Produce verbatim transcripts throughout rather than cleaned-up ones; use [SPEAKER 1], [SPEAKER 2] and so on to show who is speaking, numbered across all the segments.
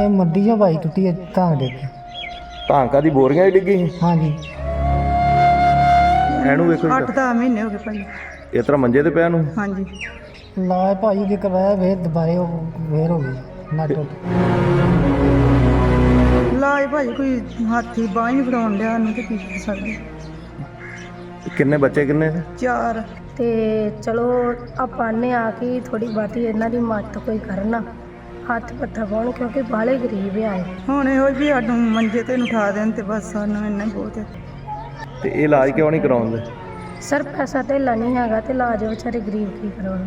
[SPEAKER 1] ਇਹ ਮੰਡੀ ਚੋਂ ਬਾਈ ਟੁੱਟੀ ਹੈ ਤਾਂ ਡਿੱਗ ਗਈ।
[SPEAKER 2] ਧਾਂਕਾ ਦੀ ਬੋਰੀਆਂ ਹੀ ਡਿੱਗੀ ਸੀ।
[SPEAKER 1] ਹਾਂਜੀ
[SPEAKER 2] ਇਹਨੂੰ ਵੇਖੋ ਜੀ,
[SPEAKER 3] ਅੱਠ ਦਸ ਮਹੀਨੇ ਹੋ ਗਏ ਭਾਈ।
[SPEAKER 2] ਇਸ ਤਰ੍ਹਾਂ ਮੰਜੇ ਤੇ ਪਿਆ ਨੂੰ।
[SPEAKER 3] ਹਾਂਜੀ
[SPEAKER 1] ਲਾਜ ਭਾਈ ਦੇ ਕਰਵਾਇਆ ਵੇਰ ਦੁਬਾਰੇ ਉਹ ਵੇਰ ਹੋ ਗਈ ਨਾ ਟੁੱਟ।
[SPEAKER 3] ਲਾਜ ਭਾਈ ਕੋਈ ਹਾਥੀ ਬਾਂਹ ਹੀ ਨਹੀਂ ਫੜਾਉਣ ਡਿਆ ਨੂੰ ਤੇ ਕੀ ਕਰ ਸਕਦੇ।
[SPEAKER 2] ਕਿੰਨੇ ਬੱਚੇ ਕਿੰਨੇ ਨੇ?
[SPEAKER 3] ਚਾਰ
[SPEAKER 4] ਤੇ ਚਲੋ ਆਪਾਂ ਨੇ ਆ ਕੇ ਥੋੜੀ ਬਾਤੀ ਇਹਨਾਂ ਦੀ ਮਦਦ ਕੋਈ ਕਰਨਾ, ਹੱਥ ਪੱਥਾ ਪਾਉਣ, ਕਿਉਂਕਿ ਬਾਹਲੇ ਗਰੀਬ ਆਏ।
[SPEAKER 3] ਹੁਣ ਇਹੋ ਵੀ ਸਾਨੂੰ ਮੰਜੇ ਤੇ ਨੂੰ ਉਠਾ ਦੇਣ ਤੇ ਬਸ ਸਾਨੂੰ ਇੰਨਾ ਹੀ ਬਹੁਤ ਹੈ।
[SPEAKER 2] ਤੇ ਇਹ ਇਲਾਜ ਕਿਉਂ ਨਹੀਂ ਕਰਾਉਂਦੇ?
[SPEAKER 4] ਸਰ ਪੈਸਾ ਧੇਲਾ ਨਹੀਂ ਹੈਗਾ ਤੇ ਇਲਾਜ ਵਿਚਾਰੇ ਗਰੀਬ ਕੀ ਕਰਾਉਣ।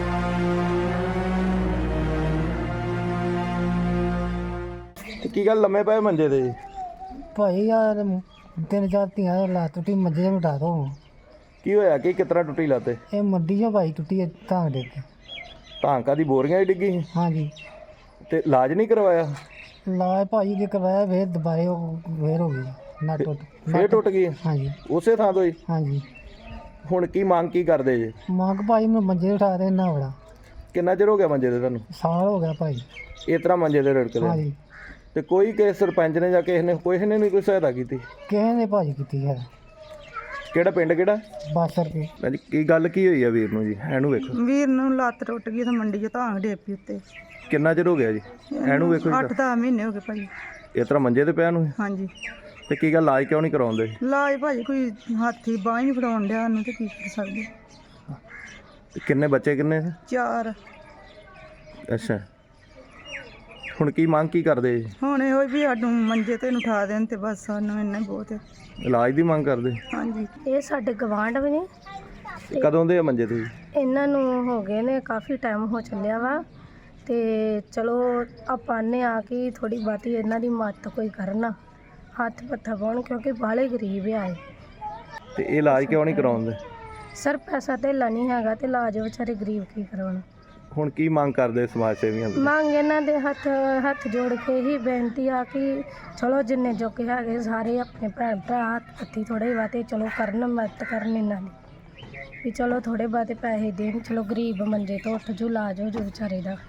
[SPEAKER 2] ਤੇ ਕੀ ਗੱਲ ਲੰਮੇ ਪਏ ਮੰਜੇ ਤੇ ਜੀ?
[SPEAKER 1] ਭਾਈ ਯਾਰ ਤਿੰਨ ਚਾਰ ਧੀਆਂ ਲਾ ਟੁੱਟੀ ਮੰਜੇ ਤੇ ਉਠਾ ਦੋ।
[SPEAKER 2] ਕੀ ਹੋਇਆ ਕਿ ਕਿਸ ਤਰ੍ਹਾਂ ਟੁੱਟੀ ਲੱਤ?
[SPEAKER 1] ਇਹ ਮੰਡੀ ਚੋਂ ਬਾਈ ਟੁੱਟੀ ਹੈ ਤਾਂ ਡਿੱਗ ਗਈ।
[SPEAKER 2] ਧਾਂਕਾ ਦੀ ਬੋਰੀਆਂ ਹੀ ਡਿੱਗੀ ਸੀ।
[SPEAKER 1] ਹਾਂਜੀ
[SPEAKER 2] ਤੇ ਇਲਾਜ ਨਹੀਂ ਕਰਵਾਇਆ?
[SPEAKER 1] ਲਾਜ ਭਾਈ ਦੇ ਕਰਵਾਇਆ ਵੇਰ ਦੁਬਾਰੇ ਉਹ ਵੇਰ ਹੋ ਗਈ ਨਾ ਟੁੱਟ।
[SPEAKER 2] ਫੇਰ ਟੁੱਟ ਗਈ?
[SPEAKER 1] ਹਾਂਜੀ
[SPEAKER 2] ਉਸੇ ਥਾਂ ਤੋਂ ਹੀ?
[SPEAKER 1] ਹਾਂਜੀ
[SPEAKER 2] ਹੁਣ ਕੀ ਮੰਗ ਕੀ ਕਰਦੇ ਜੀ?
[SPEAKER 1] ਮੰਗ ਭਾਈ ਮੈਂ ਮੰਜੇ ਤੇ ਉਠਾ ਦੇ ਨਾ ਬੜਾ
[SPEAKER 2] ਕਿੰਨਾ ਚਿਰ ਹੋ ਗਿਆ ਮੰਜੇ ਤੇ ਤੁਹਾਨੂੰ?
[SPEAKER 1] ਸਾਲ ਹੋ ਗਿਆ ਭਾਈ।
[SPEAKER 2] ਇਸ ਤਰ੍ਹਾਂ ਮੰਜੇ ਤੇ ਰੜਕਦੇ?
[SPEAKER 1] ਹਾਂਜੀ
[SPEAKER 2] ਤੇ ਕੋਈ ਕਿਸੇ ਸਰਪੰਚ ਨੇ ਜਾਂ ਕਿਸੇ ਨੇ ਕੋਈ ਨੇ ਨਹੀਂ ਕੋਈ ਸਹਾਇਤਾ ਕੀਤੀ?
[SPEAKER 1] ਕਿਸੇ ਨੇ ਭਾਜੀ ਕੀਤੀ ਹੈ
[SPEAKER 2] ਕਿਹੜਾ ਪਿੰਡ ਕਿਹੜਾ?
[SPEAKER 1] ਬਸ ਰੁਪਏ।
[SPEAKER 2] ਹਾਂਜੀ ਕੀ ਗੱਲ ਕੀ ਹੋਈ ਆ ਵੀਰ ਨੂੰ ਜੀ? ਇਹਨੂੰ ਵੇਖੋ।
[SPEAKER 3] ਵੀਰ ਨੂੰ ਲੱਤ ਟੁੱਟ ਗਈ ਤੇ ਮੰਡੀ 'ਚ ਧਾਂਗ ਡੇਪੀ ਉੱਤੇ।
[SPEAKER 2] ਕਿੰਨਾ ਚਿਰ ਹੋ ਗਿਆ ਜੀ? ਇਹਨੂੰ ਵੇਖੋ
[SPEAKER 3] ਅੱਠ
[SPEAKER 2] ਜੀ,
[SPEAKER 3] ਦਸ ਮਹੀਨੇ ਹੋ ਗਏ ਭਾਈ।
[SPEAKER 2] ਇਸ ਤਰ੍ਹਾਂ ਮੰਜੇ ਤੇ ਪਿਆ ਨੂੰ।
[SPEAKER 3] ਹਾਂਜੀ
[SPEAKER 2] ਤੇ ਕੀ ਗੱਲ ਇਲਾਜ ਕਿਉਂ ਨਹੀਂ ਕਰਾਉਂਦੇ?
[SPEAKER 3] ਲਾਜ ਭਾਜੀ ਕੋਈ ਹਾਥੀ ਬਾਂਹ ਹੀ ਨਹੀਂ ਫੜਾਉਣ ਡਿਆ ਨੂੰ ਤੇ ਕੀ ਕਰ ਸਕਦੇ।
[SPEAKER 2] ਤੇ ਕਿੰਨੇ ਬੱਚੇ ਕਿੰਨੇ ਨੇ?
[SPEAKER 3] ਚਾਰ
[SPEAKER 2] ਅੱਛਾ, ਹੁਣ ਕੀ ਮੰਗ ਕੀ ਕਰਦੇ ਜੀ?
[SPEAKER 3] ਹੁਣ ਇਹੋ ਵੀ ਸਾਨੂੰ ਮੰਜੇ ਤੇ ਨੂੰ ਉਠਾ ਦੇਣ ਤੇ ਬਸ ਸਾਨੂੰ ਇੰਨਾ ਹੀ ਬਹੁਤ ਹੈ।
[SPEAKER 2] ਇਲਾਜ ਦੀ ਮੰਗ ਕਰਦੇ?
[SPEAKER 3] ਹਾਂਜੀ
[SPEAKER 4] ਇਹ ਸਾਡੇ ਗਵਾਂਢ ਵੀ ਨੇ,
[SPEAKER 2] ਤੇ ਕਦੋਂ ਦੇ ਆ ਮੰਜੇ ਤੇ ਜੀ?
[SPEAKER 4] ਇਹਨਾਂ ਨੂੰ ਹੋ ਗਏ ਨੇ ਕਾਫੀ ਟਾਈਮ ਹੋ ਚੱਲਿਆ ਵਾ। ਤੇ ਚਲੋ ਆਪਾਂ ਨੇ ਆ ਕੇ ਥੋੜੀ ਬਾਤੀ ਇਹਨਾਂ ਦੀ ਮਦਦ ਕੋਈ ਕਰਨਾ, ਹੱਥ ਪੱਥਾ ਪਾਉਣ, ਕਿਉਂਕਿ ਬਾਹਲੇ ਗਰੀਬ ਆਏ।
[SPEAKER 2] ਤੇ ਇਹ ਇਲਾਜ ਕਿਉਂ ਨਹੀਂ ਕਰਾਉਂਦੇ?
[SPEAKER 4] ਸਰ ਪੈਸਾ ਧੇਲਾ ਨਹੀਂ ਹੈਗਾ ਤੇ ਇਲਾਜ ਵਿਚਾਰੇ ਗਰੀਬ ਕੀ ਕਰਾਉਣ।
[SPEAKER 2] ਹੁਣ ਕੀ ਮੰਗ ਕਰਦੇ ਸਮਾਜ ਸੇਵੀਆਂ ਤੋਂ?
[SPEAKER 4] ਮੰਗ ਇਹਨਾਂ ਦੇ ਹੱਥ ਹੱਥ ਜੋੜ ਕੇ ਹੀ ਬੇਨਤੀ ਆ ਕਿ ਚਲੋ ਜਿੰਨੇ ਜੋਗੇ ਹੈਗੇ ਸਾਰੇ ਆਪਣੇ ਭੈਣ ਭਰਾ ਹੱਥ ਪੱਤੀ ਥੋੜ੍ਹੇ ਬਾਤੇ ਚਲੋ ਕਰਨ, ਮਦਦ ਕਰਨ ਇਹਨਾਂ ਦੀ ਵੀ ਚਲੋ ਥੋੜ੍ਹੇ ਬਾਤੇ ਪੈਸੇ ਦੇਣ, ਚਲੋ ਗਰੀਬ ਮੰਜੇ ਤੋਂ ਉੱਠ ਜੂ, ਇਲਾਜ ਹੋ ਜੂ ਵਿਚਾਰੇ ਦਾ।